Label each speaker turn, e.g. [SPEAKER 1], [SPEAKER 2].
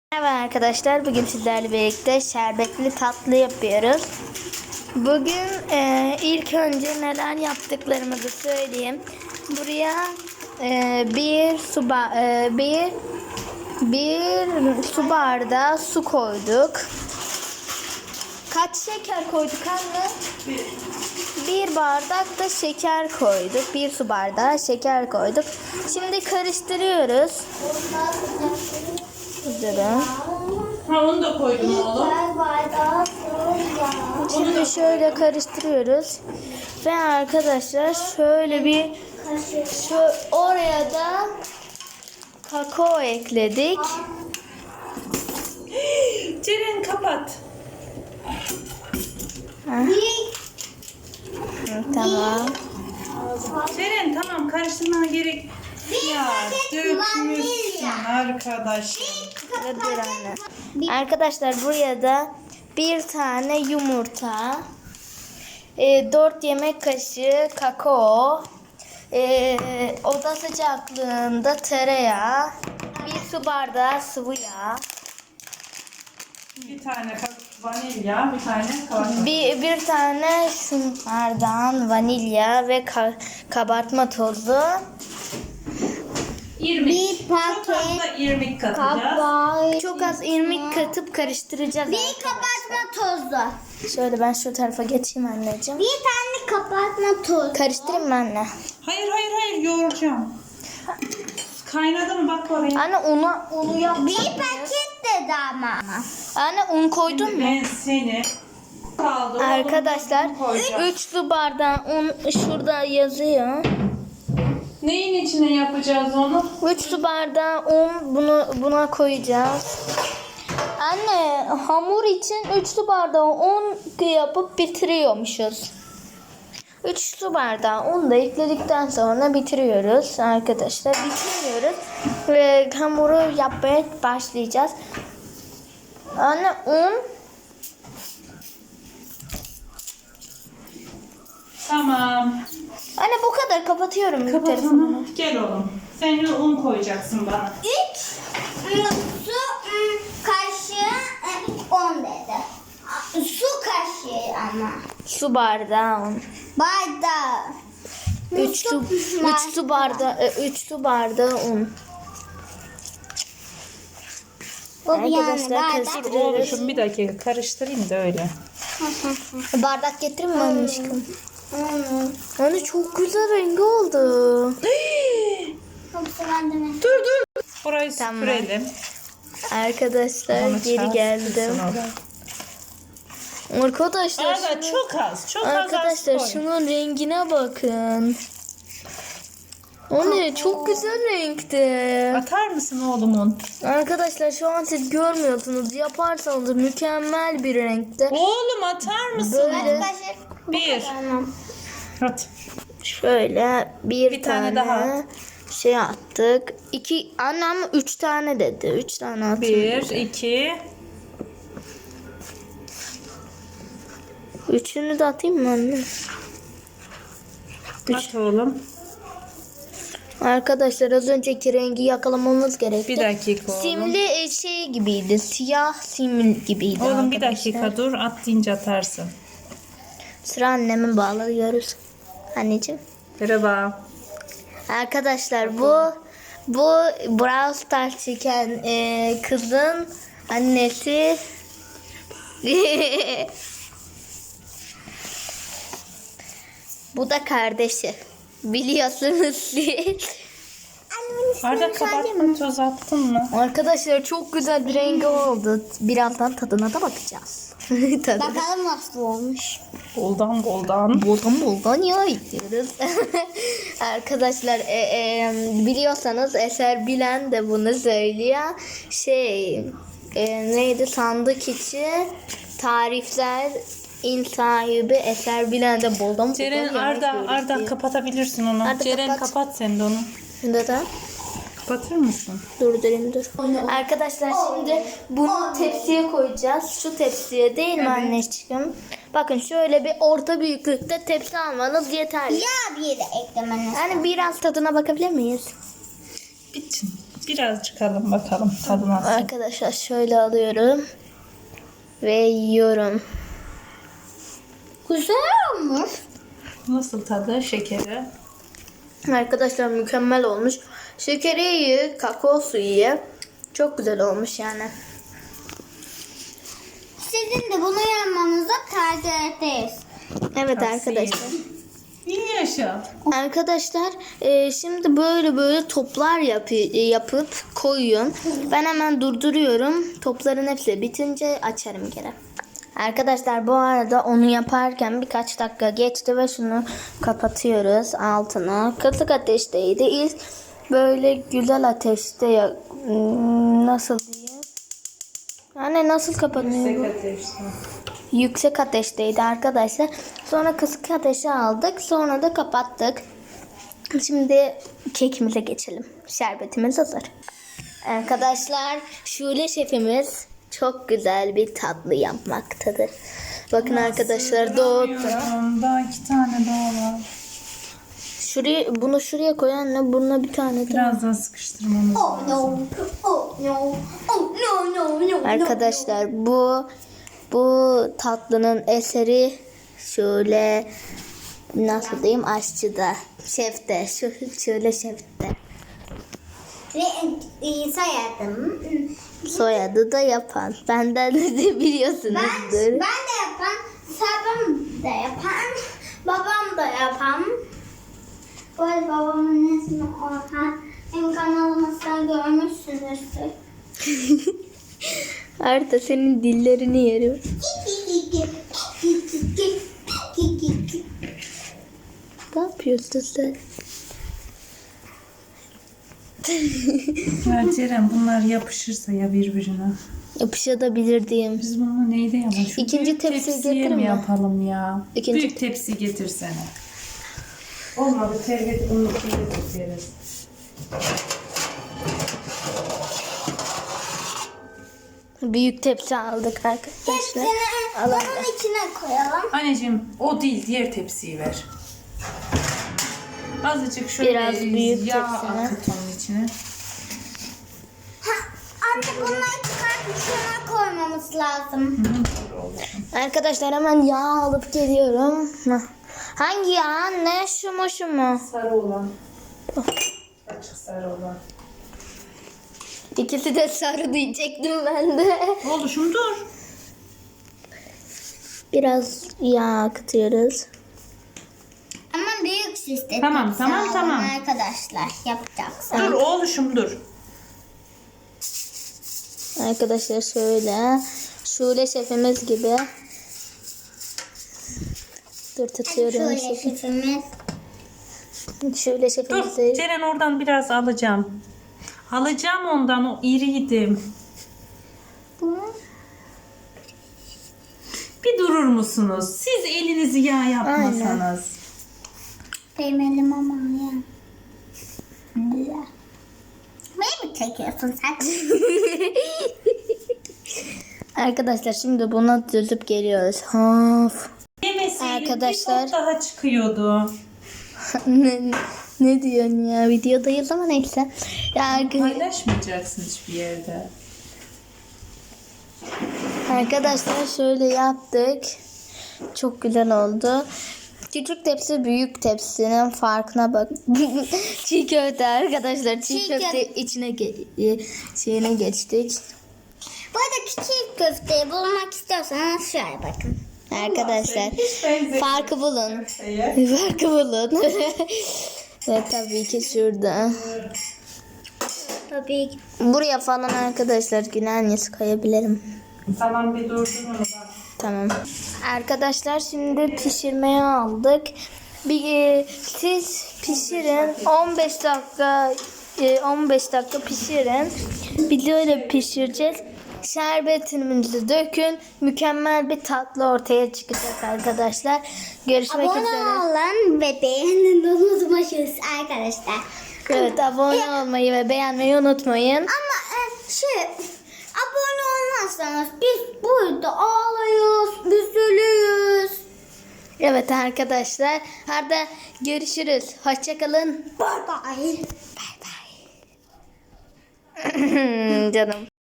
[SPEAKER 1] Merhaba arkadaşlar, bugün sizlerle birlikte şerbetli tatlı yapıyoruz. Bugün ilk önce neler yaptıklarımızı söyleyeyim. Buraya bir su bardağı su koyduk. Kaç şeker koyduk anne? Bir bardak da şeker koyduk. Bir su bardağı şeker koyduk. Şimdi karıştırıyoruz. Durun.
[SPEAKER 2] Ha, onu da koydum oğlum.
[SPEAKER 1] Şimdi şöyle karıştırıyoruz. Ve arkadaşlar şöyle oraya da kakao ekledik.
[SPEAKER 2] Ceren kapat.
[SPEAKER 1] Tamam.
[SPEAKER 2] Ceren tamam, karıştırmana gerek. Ya dökmüşsün arkadaşım.
[SPEAKER 1] Dur anne. Arkadaşlar buraya da bir tane yumurta, 4 yemek kaşığı kakao, oda sıcaklığında tereyağı, bir su bardağı sıvı yağ,
[SPEAKER 2] Bir tane vanilya, bir tane kabartma.
[SPEAKER 1] bir tane şunlardan vanilya ve kabartma tozu.
[SPEAKER 2] 20.
[SPEAKER 3] Bir paket
[SPEAKER 2] Çok az da irmik katacağız.
[SPEAKER 1] Çok az irmik katıp karıştıracağız.
[SPEAKER 3] Bir kabartma tozu.
[SPEAKER 1] Şöyle ben şu tarafa geçeyim anneciğim.
[SPEAKER 3] Bir tane kabartma tozu.
[SPEAKER 1] Karıştırayım mı anne?
[SPEAKER 2] Hayır, yoğuracağım. Kaynadı mı bak oraya.
[SPEAKER 1] Anne unu yapacak
[SPEAKER 3] Bir
[SPEAKER 1] mıyız?
[SPEAKER 3] paket dedi ama.
[SPEAKER 1] Anne un koydun mu?
[SPEAKER 2] Ben seni kaldı.
[SPEAKER 1] Arkadaşlar
[SPEAKER 2] Oğlum, koyacağım.
[SPEAKER 1] 3 su bardağı un şurada yazıyor.
[SPEAKER 2] Neyin içine yapacağız onu?
[SPEAKER 1] 3 su bardağı un buna koyacağız. Anne hamur için 3 su bardağı un yapıp bitiriyormuşuz. 3 su bardağı un da ekledikten sonra bitiriyoruz arkadaşlar. Bitiriyoruz ve hamuru yapmaya başlayacağız. Anne un.
[SPEAKER 2] Tamam.
[SPEAKER 1] Anne bu kadar kapatıyorum
[SPEAKER 2] Kapat
[SPEAKER 1] telefonu.
[SPEAKER 2] onu. Gel oğlum. Sen de un koyacaksın bana.
[SPEAKER 3] 3 su kaşığı 10 dedi. Su kaşığı ama.
[SPEAKER 1] Su bardağı un.
[SPEAKER 3] Bardağı.
[SPEAKER 1] 3 su bardağı un.
[SPEAKER 3] Bu bir yani
[SPEAKER 1] Arkadaşlar
[SPEAKER 3] bardak.
[SPEAKER 1] karıştırıyoruz.
[SPEAKER 2] Oğlum bir dakika karıştırayım da öyle.
[SPEAKER 1] Bardak getirin mi aşkım? Anne çok güzel rengi oldu.
[SPEAKER 3] Yoksa ben de mi?
[SPEAKER 2] Dur. Burayı
[SPEAKER 1] Tamam.
[SPEAKER 2] süpürelim.
[SPEAKER 1] Arkadaşlar
[SPEAKER 2] Onu
[SPEAKER 1] geri
[SPEAKER 2] çarpsın
[SPEAKER 1] geldim.
[SPEAKER 2] sonra.
[SPEAKER 1] Arkadaşlar
[SPEAKER 2] Arada çok az koy.
[SPEAKER 1] şunun rengine bakın. Anne çok güzel renkte.
[SPEAKER 2] Atar mısın oğlumun?
[SPEAKER 1] Arkadaşlar şu an siz görmüyorsunuz. Yaparsanız mükemmel bir renkte.
[SPEAKER 2] Oğlum atar mısın?
[SPEAKER 1] Böyle
[SPEAKER 2] Bir. At.
[SPEAKER 1] şöyle bir
[SPEAKER 2] tane
[SPEAKER 1] tane
[SPEAKER 2] daha.
[SPEAKER 1] şey attık. 2 annem 3 tane dedi. 3 tane attık.
[SPEAKER 2] 1, 2.
[SPEAKER 1] Üçünü de atayım mı anne?
[SPEAKER 2] At oğlum.
[SPEAKER 1] Arkadaşlar az önceki rengi yakalamamız gerekti.
[SPEAKER 2] Bir dakika oğlum.
[SPEAKER 1] Simli şey gibiydi. Siyah sim gibiydi.
[SPEAKER 2] Oğlum bir
[SPEAKER 1] arkadaşlar.
[SPEAKER 2] dakika dur. At deyince atarsın.
[SPEAKER 1] Sıra annemi bağlıyoruz. Anneciğim.
[SPEAKER 2] Merhaba.
[SPEAKER 1] Arkadaşlar bu Brawl Stars çeken kızın annesi. Bu da kardeşi. Biliyorsunuz siz.
[SPEAKER 2] Arda kabartma toz attın mı?
[SPEAKER 1] Arkadaşlar çok güzel bir rengi oldu. Birazdan tadına da bakacağız. Tadına.
[SPEAKER 3] Bakalım nasıl olmuş.
[SPEAKER 2] Boldan.
[SPEAKER 1] Boldan ya yiyoruz. Arkadaşlar biliyorsanız Eser Bilen de bunu söylüyor. Neydi sandık içi tarifler sahibi Eser Bilen de boldan
[SPEAKER 2] Ceren Arda kapatabilirsin onu.
[SPEAKER 1] Arda,
[SPEAKER 2] Ceren
[SPEAKER 1] kapat.
[SPEAKER 2] kapat sen de onu.
[SPEAKER 1] Neden?
[SPEAKER 2] Kapatır mısın?
[SPEAKER 1] Dur. Arkadaşlar şimdi bunu tepsiye koyacağız. Şu tepsiye değil mi anneciğim? Bakın şöyle bir orta büyüklükte tepsi almanız yeterli.
[SPEAKER 3] Ya bir de eklemeniz.
[SPEAKER 1] Yani biraz tadına bakabilir miyiz?
[SPEAKER 2] Bitsin. Birazcık alın bakalım tadı nasıl.
[SPEAKER 1] Arkadaşlar şöyle alıyorum. Ve yiyorum.
[SPEAKER 3] Güzel olmuş.
[SPEAKER 2] Nasıl tadı? Şekeri.
[SPEAKER 1] Arkadaşlar mükemmel olmuş. Şekeri iyi, kakao suyu iyi. Çok güzel olmuş yani.
[SPEAKER 3] Sizin de bunu yapmanızı tercih ederiz.
[SPEAKER 1] Evet arkadaşlar.
[SPEAKER 2] İyi yaşa.
[SPEAKER 1] Arkadaşlar şimdi böyle toplar yapıp koyun. Ben hemen durduruyorum. Topların hepsi bitince açarım geri. Arkadaşlar bu arada onu yaparken birkaç dakika geçti ve şunu kapatıyoruz altına. Kısık ateşteydi. İlk böyle güzel ateşte nasıl diyeyim? Yani nasıl kapanıyor?
[SPEAKER 2] Yüksek ateşte.
[SPEAKER 1] Yüksek ateşteydi arkadaşlar. Sonra kısık ateşe aldık. Sonra da kapattık. Şimdi kekimize geçelim. Şerbetimiz hazır. Arkadaşlar Şule şefimiz çok güzel bir tatlı yapmaktadır. Bakın arkadaşlar doğdu.
[SPEAKER 2] Daha 2 tane daha var.
[SPEAKER 1] Bunu şuraya koy anne. Buna bir tane daha.
[SPEAKER 2] Biraz daha sıkıştırmamız
[SPEAKER 3] Oh
[SPEAKER 2] lazım.
[SPEAKER 3] no. Oh no. Oh no no no.
[SPEAKER 1] Arkadaşlar bu tatlının eseri şöyle nasıl diyeyim aşçıda, şefte, şöyle şefte.
[SPEAKER 3] Ve sayardım.
[SPEAKER 1] Soyadı da yapan. Benden de biliyorsunuzdur.
[SPEAKER 3] Ben de yapan, sabam da yapan, babam da yapan. Bu arada babamın ismi Orhan. Benim kanalımızda görmüşsünüzdür.
[SPEAKER 1] Arda senin dillerini yerim. Ne yapıyorsun sen?
[SPEAKER 2] Ya Ceren bunlar yapışırsa ya birbirine.
[SPEAKER 1] Yapışabilir diyeyim.
[SPEAKER 2] Biz bunu neyde yapalım? Şu
[SPEAKER 1] İkinci
[SPEAKER 2] büyük
[SPEAKER 1] tepsiyi
[SPEAKER 2] tepsiye
[SPEAKER 1] getirin
[SPEAKER 2] mi
[SPEAKER 1] mi?
[SPEAKER 2] yapalım ya?
[SPEAKER 1] İkinci-
[SPEAKER 2] Büyük tepsi getirsene. Olmadı terbiye bunu getiririz.
[SPEAKER 1] Büyük tepsi aldık arkadaşlar.
[SPEAKER 3] Hepsini
[SPEAKER 1] Alalım.
[SPEAKER 3] bunun içine koyalım.
[SPEAKER 2] Anneciğim o değil diğer tepsiyi ver. Azıcık şöyle
[SPEAKER 1] Biraz büyük
[SPEAKER 2] yağ
[SPEAKER 1] tepsine.
[SPEAKER 2] akıt onun içine.
[SPEAKER 3] Artık bunları çıkartıp şuna koymamız lazım.
[SPEAKER 2] Doğru oldu.
[SPEAKER 1] Arkadaşlar hemen yağ alıp geliyorum. Hangi yağ anne? Şu mu şu mu?
[SPEAKER 2] Sarı olan. Açık sarı olan.
[SPEAKER 1] İkisi de sarı diyecektim ben de.
[SPEAKER 2] Oldu şunu dur.
[SPEAKER 1] Biraz yağ akıtıyoruz.
[SPEAKER 3] Ama büyük sistem.
[SPEAKER 2] Tamam, tamam, tamam.
[SPEAKER 3] Arkadaşlar yapacaksın.
[SPEAKER 2] Dur oğluşum dur.
[SPEAKER 1] Arkadaşlar şöyle. Şule şefimiz gibi. Dur tutuyorum.
[SPEAKER 3] Şöyle şefimiz.
[SPEAKER 1] Şule
[SPEAKER 2] Dur
[SPEAKER 1] şefimizi.
[SPEAKER 2] Ceren oradan biraz alacağım. Alacağım ondan o iriydi. Bir durur musunuz? Siz elinizi yağ yapmasanız.
[SPEAKER 3] Benim elim ama ya. Beni mi çekiyorsun sen?
[SPEAKER 1] Arkadaşlar şimdi buna düzüp geliyoruz. Of.
[SPEAKER 2] Yemeseydin
[SPEAKER 1] Arkadaşlar-
[SPEAKER 2] bir top daha çıkıyordu.
[SPEAKER 1] ne diyorsun ya? Videodayız ama neyse. Ya,
[SPEAKER 2] Paylaşmayacaksın hiçbir yerde.
[SPEAKER 1] arkadaşlar şöyle yaptık. Çok güzel oldu. Küçük tepsi büyük tepsinin farkına bak. Çiğ köfte arkadaşlar. Çiğ
[SPEAKER 3] Çiğ
[SPEAKER 1] köfte içine şeyine geçtik.
[SPEAKER 3] Bu arada küçük köfteyi bulmak istiyorsanız şöyle bakın.
[SPEAKER 1] Arkadaşlar
[SPEAKER 2] Hiç benzemiyor.
[SPEAKER 1] farkı bulun.
[SPEAKER 2] Köfteye.
[SPEAKER 1] Farkı bulun. Ve tabii ki şurada.
[SPEAKER 3] Tabii ki.
[SPEAKER 1] Buraya falan arkadaşlar gülenyiz koyabilirim.
[SPEAKER 2] Tamam bir durdur onu bak.
[SPEAKER 1] Tamam. Arkadaşlar şimdi pişirmeye aldık. Siz pişirin 15 dakika 15 dakika pişirin. Biz de öyle pişireceğiz. Şerbetimizi dökün. Mükemmel bir tatlı ortaya çıkacak arkadaşlar. Görüşmek
[SPEAKER 3] Abone
[SPEAKER 1] üzere.
[SPEAKER 3] olun ve beğenin de unutmayın arkadaşlar.
[SPEAKER 1] Evet abone olmayı ve beğenmeyi unutmayın.
[SPEAKER 3] Ama abone olmazsanız biz burada ağlayız, üzülüyoruz.
[SPEAKER 1] Evet arkadaşlar. Hadi görüşürüz. Hoşçakalın.
[SPEAKER 3] Bye bye.
[SPEAKER 1] Bye bye. Canım.